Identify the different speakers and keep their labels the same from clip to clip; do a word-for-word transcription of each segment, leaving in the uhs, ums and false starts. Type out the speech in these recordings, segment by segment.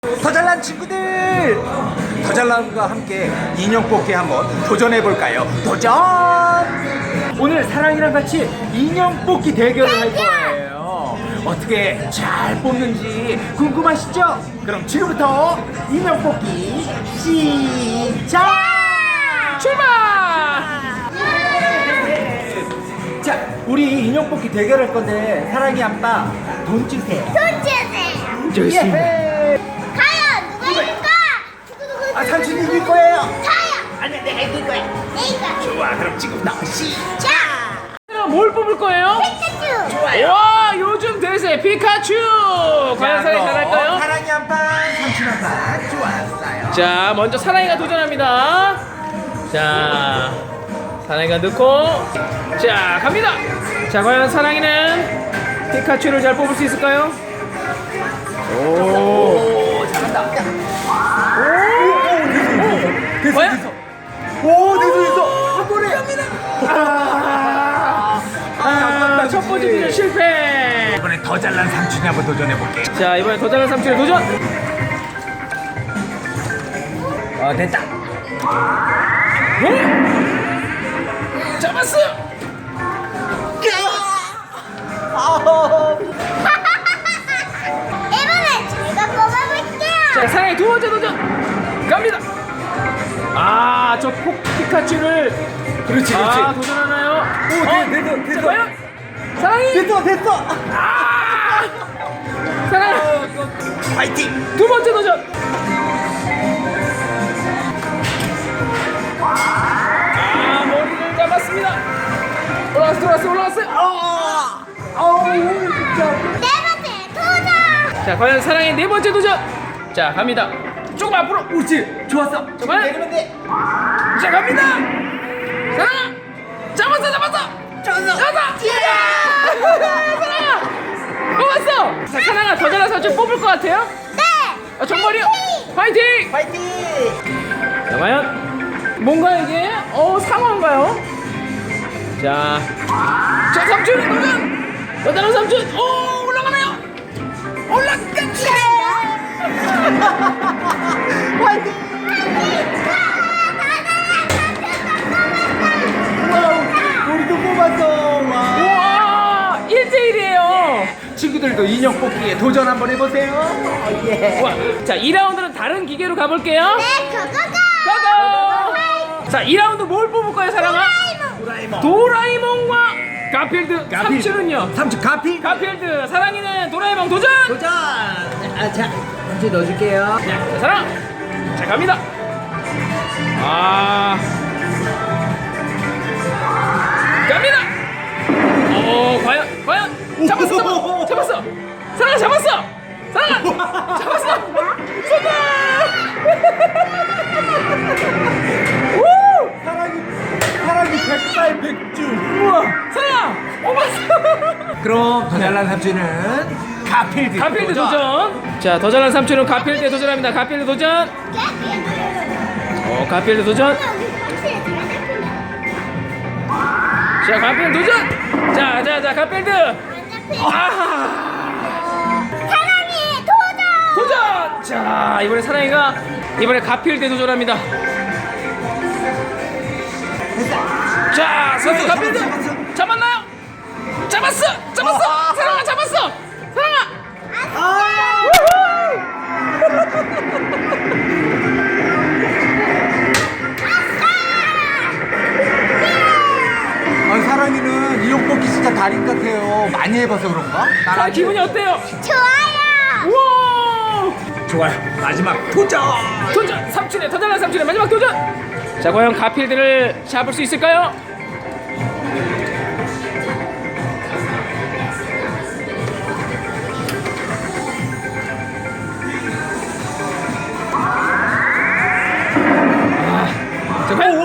Speaker 1: 더 잘난 친구들, 더 잘난과 함께 인형 뽑기 한번 도전해 볼까요? 도전! 오늘 사랑이랑 같이 인형 뽑기 대결을 할 거예요. 어떻게 잘 뽑는지 궁금하시죠? 그럼 지금부터 인형 뽑기 시작! 출발! 자, 우리 인형 뽑기 대결할 건데 사랑이 아빠 돈 주세요.
Speaker 2: 돈 주세요.
Speaker 1: 좋습니다.
Speaker 2: 과연 누가 이길까?
Speaker 1: 아, 삼촌이 이길 거예요.
Speaker 2: 저요.
Speaker 1: 아니, 내가 이길 거야.
Speaker 2: 내가.
Speaker 1: 좋아, 그럼 지금부터 시작.
Speaker 2: 자,
Speaker 3: 뭘 뽑을 거예요?
Speaker 2: 피카츄.
Speaker 1: 좋아요.
Speaker 3: 와, 요즘 대세 피카츄. 과연 사랑이 잘할까요?
Speaker 1: 사랑이 한 판, 삼촌 한 판. 좋았어요.
Speaker 3: 자, 먼저 사랑이가 도전합니다. 자, 사랑이가 넣고, 자, 갑니다. 자, 과연 사랑이는 피카츄를 잘 뽑을 수 있을까요? 오,
Speaker 1: 오, 잘한다. 됐어,
Speaker 3: 과연?
Speaker 1: 됐어. 오, 됐어, 됐어. 한 번에.
Speaker 3: 아, 아, 첫 번째 도전 실패.
Speaker 1: 이번엔 더 잘난 삼촌이 한번 도전해 볼게.
Speaker 3: 자, 이번에 더 잘난 삼촌의 도전.
Speaker 1: 어, 됐다.
Speaker 3: 어? 잡았어요.
Speaker 2: 이번엔 제가 뽑아볼게요.
Speaker 3: 자, 사랑의 두 번째 도전 갑니다. 아, 저 폭 피카츄를
Speaker 1: 그렇지,
Speaker 3: 아, 도전하나요?
Speaker 1: 오,
Speaker 3: 어?
Speaker 1: 됐- 됐어, 됐어.
Speaker 3: 자, 과연 사랑이
Speaker 1: 됐어, 됐어.
Speaker 3: 아! 사랑
Speaker 1: 파이팅.
Speaker 3: 두 번째 도전. 아, 머리를 잡았습니다. 올라왔어, 올라왔어, 올라왔어요.
Speaker 1: 아, 아우, 진짜.
Speaker 2: 네 번째 도전.
Speaker 3: 자, 과연 사랑의 네 번째 도전. 자, 갑니다. 조금 앞으로.
Speaker 1: 옳지, 좋았어.
Speaker 3: 자, 과연
Speaker 1: 내리면 돼.
Speaker 3: 자, 갑니다. 사랑아, 잡았어, 잡았어.
Speaker 1: 좋았어.
Speaker 3: 잡았어. 사랑아, 뽑았어. 자, 사랑아, 더 잘난 삼촌 뽑을 것 같아요?
Speaker 2: 네.
Speaker 3: 아, 정말이요? 화이팅!
Speaker 1: 파이팅.
Speaker 3: 자, 과연 뭔가 이게 어 상어인가요? 자, 자 삼촌의 도전! 더 잘난 삼촌! 오, 올라가나요? 올라갔다!
Speaker 1: 파이팅. 와우, 우리도 뽑았어. 와.
Speaker 3: 우와, 일 대일이에요.
Speaker 1: 친구들도 인형 뽑기에 도전 한번 해보세요. 어, 예.
Speaker 3: 우와, 자, 이 라운드는 다른 기계로 가볼게요.
Speaker 2: 네, 그거가.
Speaker 3: 고고! 자, 이 라운드 뭘 뽑을 거예요, 사랑아?
Speaker 1: 도라에몽.
Speaker 3: 도라에몽과 가필드.
Speaker 1: 가필드.
Speaker 3: 삼촌은요?
Speaker 1: 삼촌 가피.
Speaker 3: 가필드. 사랑이는 도라에몽 도전!
Speaker 1: 도전. 아, 자, 삼촌 넣어줄게요.
Speaker 3: 자, 사랑! 자, 갑니다! 아. 갑니다! 오, 과연, 과연! 잡았어, 잡았어! 잡았어! 사랑아, 잡았어! 사랑아! 잡았어! 성공! 우!
Speaker 1: 사랑이, 사랑이 백발백중.
Speaker 3: 우와! 사랑아! 뽑았어!
Speaker 1: 그럼 더 잘난 삼촌은 가필드.
Speaker 3: 가필드 도전! 자, 더 잘난 삼촌은 가필드에 도전합니다. 가필드 도전! 어, 가필드 도전! 자, 가필드 도전! 자, 자, 자, 가필드! 아!
Speaker 2: 사랑이 도전.
Speaker 3: 도전! 자, 이번에 사랑이가 이번에 가필드에 도전합니다. 자, 선수 가필드! 잡았나요? 잡았어! 잡았어! 사랑아, 잡았어! 사랑아!
Speaker 1: 아, 사랑이는 인형 뽑기 진짜 달인 같아요. 많이 해봐서 그런가?
Speaker 3: 자, 기분이 어때요?
Speaker 2: 좋아요.
Speaker 3: 우와!
Speaker 1: 좋아요. 마지막 도전.
Speaker 3: 도전! 삼촌의 더 잘난 삼촌의 마지막 도전! 자, 과연 가필드를 잡을 수 있을까요? 아, 자, 과연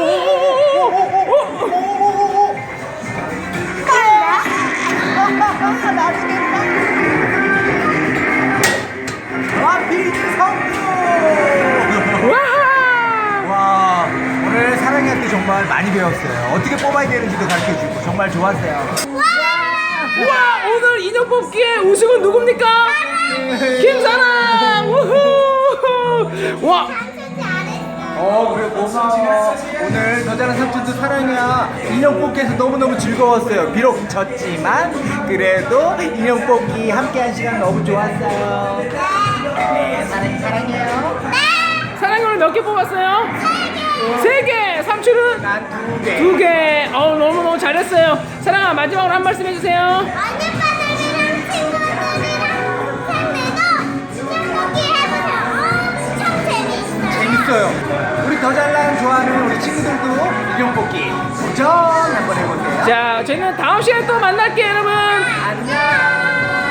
Speaker 1: 가필드 성공.
Speaker 3: 와!
Speaker 1: 와, 오늘 사랑이한테 정말 많이 배웠어요. 어떻게 뽑아야 되는지도 가르쳐주고 정말 좋았어요.
Speaker 3: 우와, 오늘 인형 뽑기의 우승은 누굽니까? 김사랑! 우후!
Speaker 1: 어 그래 고마워. 오늘 더 잘난 삼촌도 사랑이야. 인형 뽑기에서 너무너무 즐거웠어요. 비록 졌지만 그래도 인형 뽑기 함께한 시간 너무 좋았어요. 네 사랑이 사랑해요.
Speaker 3: 사랑이 오늘 몇 개 뽑았어요? 세 개. 삼촌은
Speaker 1: 난 두 개.
Speaker 3: 두 개. 어우 너무너무 잘했어요. 사랑아 마지막으로 한 말씀 해주세요.
Speaker 2: 언니빠들이랑 친구들이랑 팬들도 인형 뽑기 해보세요. 엄청 재밌어요.
Speaker 1: 재밌어요. 우리 더 잘난 좋아하는 우리 친구들도 인형 뽑기 도전 한번 해보세요.
Speaker 3: 자 저희는 다음 시간에 또 만날게요 여러분.
Speaker 1: 안녕.